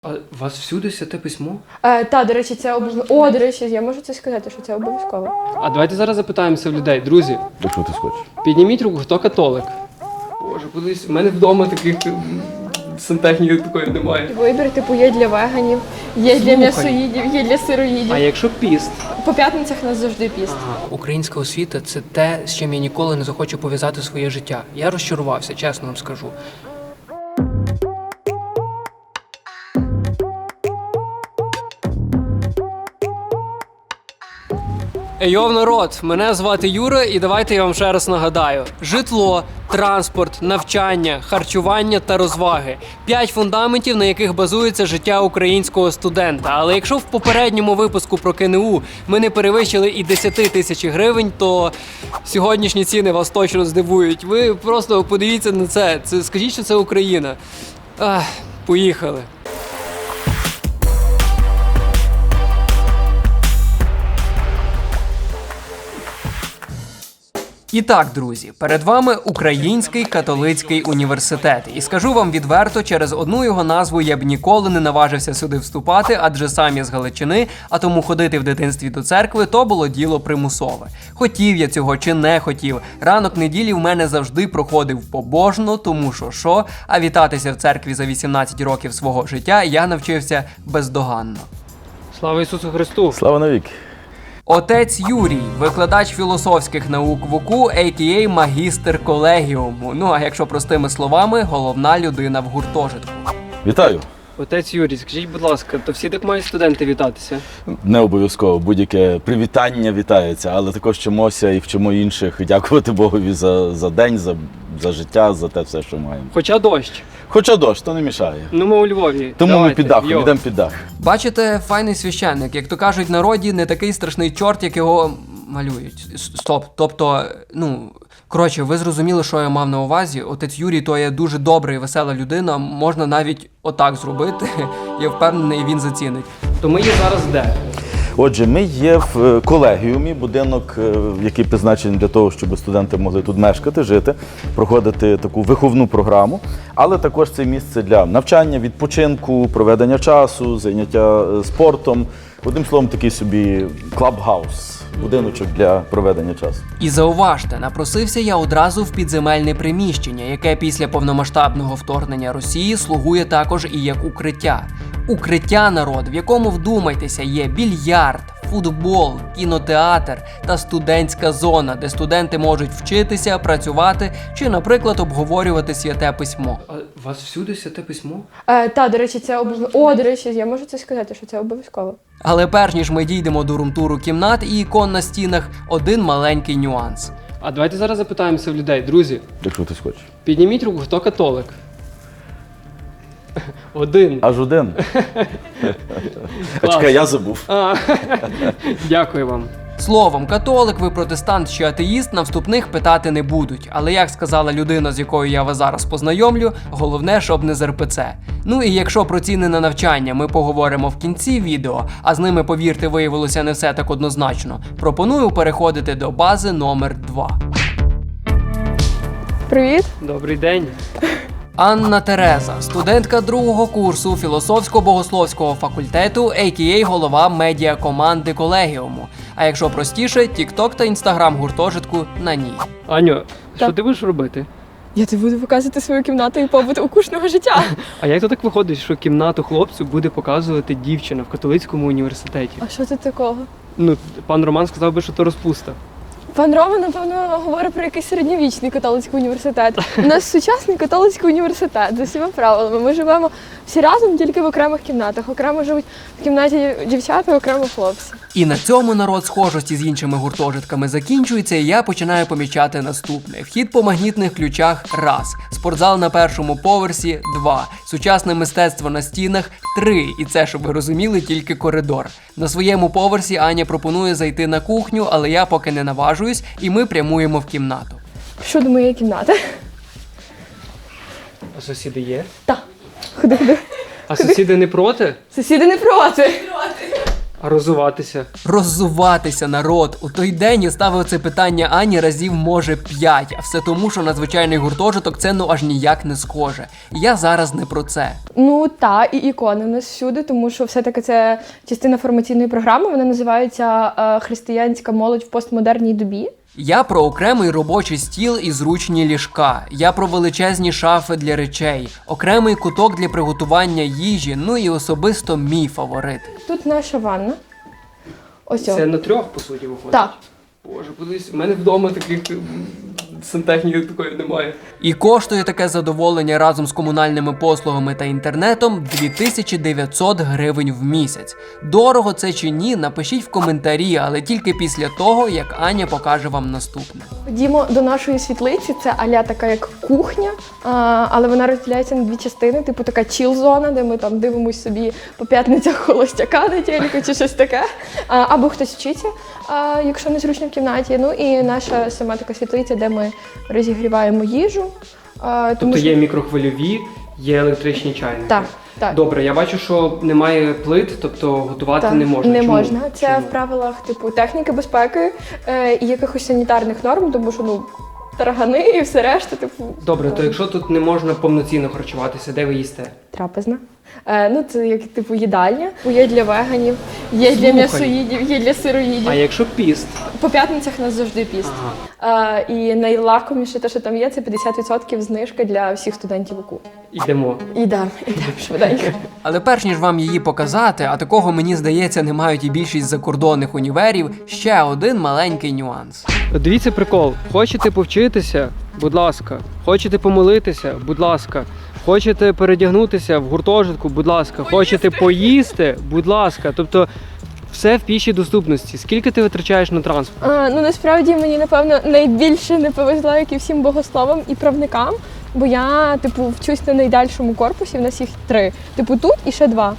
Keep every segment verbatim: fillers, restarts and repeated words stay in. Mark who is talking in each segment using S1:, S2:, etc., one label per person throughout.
S1: А у вас всюди святе письмо?
S2: Е, та, до речі, це обов'язково. О, до речі, я можу це сказати, що це обов'язково.
S1: А давайте зараз запитаємося в людей. Друзі,
S3: Якщо ти схочеш.
S1: підніміть руку, хто католик? Боже, подивись, в мене вдома таких м, сантехніки такої немає.
S2: Вибір, типу, є для веганів, є для
S1: Слухай.
S2: м'ясоїдів, є для сироїдів.
S1: А якщо піст?
S2: По п'ятницях у нас завжди піст.
S1: Ага. Українська освіта – це те, з чим я ніколи не захочу пов'язати своє життя. Я розчарувався, чесно вам скажу. Ейов, народ, мене звати Юра, і давайте я вам ще раз нагадаю. Житло, транспорт, навчання, харчування та розваги. П'ять фундаментів, на яких базується життя українського студента. Але якщо в попередньому випуску про КНУ ми не перевищили і десять тисяч гривень, то сьогоднішні ціни вас точно здивують. Ви просто подивіться на це. Це скажіть, що це Україна. Ах, поїхали. І так, друзі, перед вами Український католицький університет. І скажу вам відверто, через одну його назву я б ніколи не наважився сюди вступати, адже сам я з Галичини, а тому ходити в дитинстві до церкви – то було діло примусове. Хотів я цього чи не хотів, ранок неділі в мене завжди проходив побожно, тому що що, а вітатися в церкві за вісімнадцять років свого життя я навчився бездоганно. Слава Ісусу Христу!
S3: Слава навіки.
S1: Отець Юрій, викладач філософських наук ВУКУ, а ка а магістр колегіуму. Ну, а якщо простими словами, головна людина в гуртожитку.
S3: Вітаю.
S1: Отець Юрій, скажіть, будь ласка, то всі так мають студенти вітатися?
S3: Не обов'язково, будь-яке привітання вітається, але також вчимося і вчимо інших. Дякувати Богові за, за день, за, за життя, за те все, що маємо.
S1: Хоча дощ.
S3: Хоча дощ, то не мішає.
S1: Ну, ми у Львові.
S3: Тому
S1: Давайте,
S3: ми під дахом,
S1: йо.
S3: йдемо під дах.
S1: Бачите, файний священник, як то кажуть в народі, не такий страшний чорт, як його малюють. Стоп, тобто, ну, коротше, ви зрозуміли, що я мав на увазі. Отець Юрій, то є дуже добра і весела людина, можна навіть отак зробити. Я впевнений, він зацінить. То ми є зараз де?
S3: Отже, ми є в колегіумі, будинок, який призначений для того, щоб студенти могли тут мешкати, жити, проходити таку виховну програму, але також це місце для навчання, відпочинку, проведення часу, зайняття спортом. Одним словом, такий собі клаб-хаус, будиночок для проведення часу.
S1: І зауважте, напросився я одразу в підземельне приміщення, яке після повномасштабного вторгнення Росії слугує також і як укриття. Укриття, народ, в якому, вдумайтеся, є більярд, футбол, кінотеатр та студентська зона, де студенти можуть вчитися, працювати чи, наприклад, обговорювати святе письмо. А у вас всюди святе письмо?
S2: Е, та, до речі, це обов'язково. О, до речі, я можу це сказати, що це обов'язково.
S1: Але перш ніж ми дійдемо до румтуру кімнат і ікон на стінах, один маленький нюанс. А давайте зараз запитаємося в людей. Друзі,
S3: Якщо ти схочеш.
S1: підніміть руку, хто католик? Один.
S3: Аж один. А чекай, я забув.
S1: А, дякую вам. Словом, католик, ви протестант чи атеїст, на вступних питати не будуть. Але, як сказала людина, з якою я вас зараз познайомлю, головне, щоб не з ер пе це. Ну і якщо про ціни на навчання ми поговоримо в кінці відео, а з ними, повірте, виявилося не все так однозначно, пропоную переходити до бази номер два.
S2: Привіт.
S1: Добрий день. Анна Тереза, студентка другого курсу філософсько-богословського факультету, а ка а голова медіакоманди колегіуму. А якщо простіше, тік-ток та інстаграм гуртожитку на ній. Аню, що
S2: Так.
S1: ти будеш робити?
S2: Я тобі буду показувати свою кімнату і побут укушного життя.
S1: А як то так виходить, що кімнату хлопцю буде показувати дівчина в католицькому університеті?
S2: А що тут такого?
S1: Ну, пан Роман сказав би, що то розпуста.
S2: Пан Рома, напевно, говорить про якийсь середньовічний католицький університет. У нас сучасний католицький університет з усіма правилами. Ми живемо всі разом тільки в окремих кімнатах. Окремо живуть в кімнаті дівчата, окремо хлопці.
S1: І на цьому, народ, схожості з іншими гуртожитками закінчується, і я починаю помічати наступне. Вхід по магнітних ключах – раз. Спортзал на першому поверсі – два. Сучасне мистецтво на стінах – три. І це, щоб ви розуміли, тільки коридор. На своєму поверсі Аня пропонує зайти на кухню, але я поки не наважуюсь, і ми прямуємо в кімнату.
S2: Що до моєї кімнати?
S1: А сусіди є?
S2: Так. Ходи, ходи.
S1: А сусіди не проти?
S2: Сусіди не проти.
S1: А роззуватися? Роззуватися, народ. У той день я ставив це питання Ані разів, може, п'ять. А все тому, що надзвичайний гуртожиток це ну аж ніяк не схоже. І я зараз не про це.
S2: Ну та і ікони в нас всюди, тому що все-таки це частина формаційної програми. Вона називається е, «Християнська молодь в постмодерній добі».
S1: Я про окремий робочий стіл і зручні ліжка. Я про величезні шафи для речей, окремий куток для приготування їжі, ну і особисто мій фаворит.
S2: Тут наша ванна. Ось
S1: Це
S2: о.
S1: на трьох, по суті, виходить?
S2: Так.
S1: Боже, подивись, у мене вдома таких сантехніки такої немає. І коштує таке задоволення разом з комунальними послугами та інтернетом дві тисячі дев'ятсот гривень в місяць. Дорого це чи ні, напишіть в коментарі, але тільки після того, як Аня покаже вам наступне.
S2: Ходімо до нашої світлиці, це аля така як кухня, а, але вона розділяється на дві частини, типу така чіл-зона, де ми там дивимося собі по п'ятницях холостяка на телеку чи щось таке, а, або хтось вчиться, а, якщо не зручно в кімнаті. Ну і наша сама така світлиця, де ми розігріваємо їжу. А, тому
S4: Тобто
S2: що...
S4: є мікрохвильові, є електричні чайники.
S2: Так, так.
S4: Добре, я бачу, що немає плит, тобто готувати
S2: Так,
S4: не можна.
S2: Не
S4: Чому?
S2: можна. Це
S4: Чому?
S2: в правилах типу техніки безпеки е, і якихось санітарних норм, тому що ну таргани і все решта, типу.
S4: Добре, то якщо тут не можна повноцінно харчуватися, де ви їсте?
S2: Трапезна. Е, ну, це як типу їдальня. Є для веганів, є для
S4: Слухай.
S2: м'ясоїдів, є для сироїдів.
S4: А якщо піст?
S2: По п'ятницях у нас завжди піст.
S4: Ага.
S2: Е, і найлакоміше те, що там є, це п'ятдесят відсотків знижка для всіх студентів УКУ.
S4: Ідемо.
S2: Ідемо, ідемо швиденько.
S1: Але перш ніж вам її показати, а такого, мені здається, не мають і більшість закордонних універів, ще один маленький нюанс.
S4: Дивіться прикол. Хочете повчитися? Будь ласка. Хочете помолитися? Будь ласка. Хочете передягнутися в гуртожитку? Будь ласка. Хочете поїсти? Будь ласка. Тобто все в пішій доступності. Скільки ти витрачаєш на транспорт?
S2: А, ну насправді мені напевно найбільше не повезло, як і всім богословам і правникам, бо я типу вчусь на найдальшому корпусі, в нас їх три. Типу тут і ще два.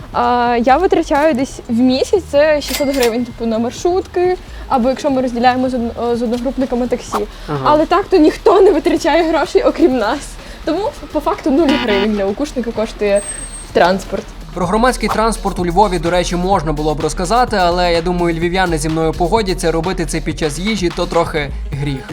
S2: А, я витрачаю десь в місяць це шістсот гривень, типу на маршрутки, або якщо ми розділяємо з, од- з одногрупниками таксі.
S4: Ага.
S2: Але так то ніхто не витрачає грошей, окрім нас. Тому по факту нуль гривень для укушника коштує транспорт.
S1: Про громадський транспорт у Львові, до речі, можна було б розказати, але я думаю, львів'яни зі мною погодяться, робити це під час їжі – то трохи гріх.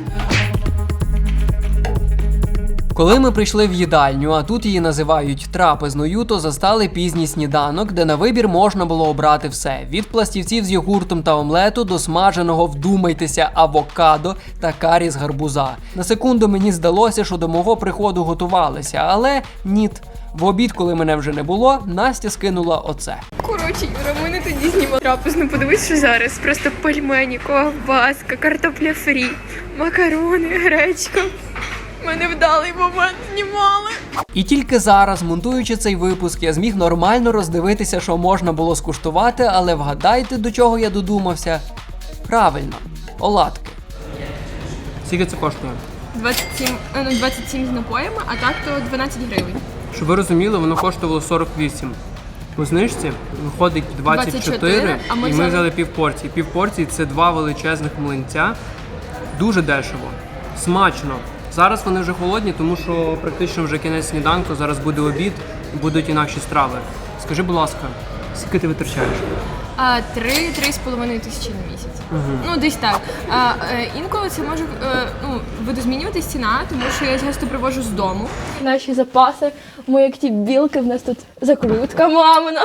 S1: Коли ми прийшли в їдальню, а тут її називають трапезною, то застали пізній сніданок, де на вибір можна було обрати все. Від пластівців з йогуртом та омлету до смаженого, вдумайтеся, авокадо та карі з гарбуза. На секунду мені здалося, що до мого приходу готувалися, але ніт. В обід, коли мене вже не було, Настя скинула оце.
S2: Коротше, Юра, ми не тоді знімали трапезну. Подивись, що зараз. Просто пельмені, ковбаска, картопля фрі, макарони, гречка. Ми невдалий момент знімали.
S1: І тільки зараз, монтуючи цей випуск, я зміг нормально роздивитися, що можна було скуштувати, але вгадайте, до чого я додумався? Правильно, оладки.
S4: Скільки це коштує?
S2: двадцять сім, ну, двадцять сім з напоями, а так то дванадцять гривень.
S4: Щоб ви розуміли, воно коштувало сорок вісім. По знижці виходить двадцять чотири,
S2: двадцять чотири, а ми
S4: і ми
S2: взяли-
S4: взяли пів порції. Пів порції – це два величезних млинця. Дуже дешево. Смачно. Зараз вони вже холодні, тому що практично вже кінець сніданку, зараз буде обід, будуть інакші страви. Скажи, будь ласка, скільки ти витрачаєш?
S2: А три, три з половиною тисячі на місяць. Ну, десь так. А, е, інколи це може е, ну, видозмінюватись ціна, тому що я часто привожу з дому. Наші запаси, ми як ті білки, в нас тут закрутка мамина,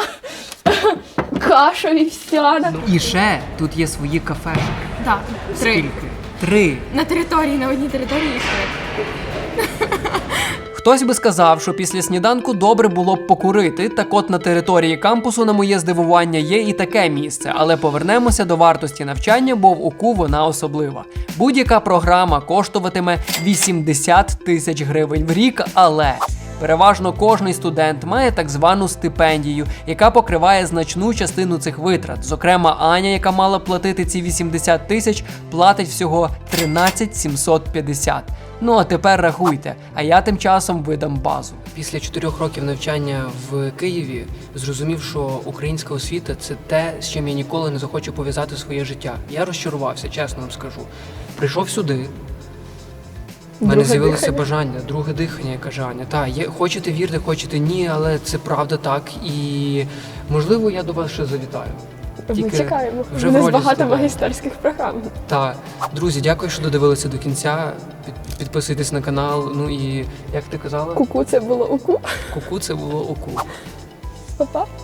S2: каша вівсяна.
S1: І ще тут є свої кафешки.
S2: Так, три.
S1: Скільки? Три.
S2: На території, на одній території їх три.
S1: Хтось би сказав, що після сніданку добре було б покурити, так от на території кампусу, на моє здивування, є і таке місце, але повернемося до вартості навчання, бо в УКУ вона особлива. Будь-яка програма коштуватиме вісімдесят тисяч гривень в рік, але переважно кожний студент має так звану стипендію, яка покриває значну частину цих витрат. Зокрема, Аня, яка мала платити ці вісімдесят тисяч, платить всього тринадцять сімсот п'ятдесят. Ну а тепер рахуйте, а я тим часом видам базу. Після чотирьох років навчання в Києві зрозумів, що українська освіта – це те, з чим я ніколи не захочу пов'язати своє життя. Я розчарувався, чесно вам скажу. Прийшов сюди, у мене
S2: Друге
S1: з'явилося
S2: дихання.
S1: бажання, друге дихання, яке Аня. Так, є, хочете вірте, хочете ні, але це правда так. І можливо я до вас ще завітаю.
S2: Ми
S1: Тільки
S2: чекаємо.
S1: вже
S2: У
S1: в
S2: нас
S1: ролі
S2: багато
S1: студента.
S2: магістерських програм.
S1: Та друзі, дякую, що додивилися до кінця. Під- Підписуйтесь на канал. Ну і як ти казала,
S2: Ку-ку, це було уку.
S1: куку це було оку.
S2: Па-па.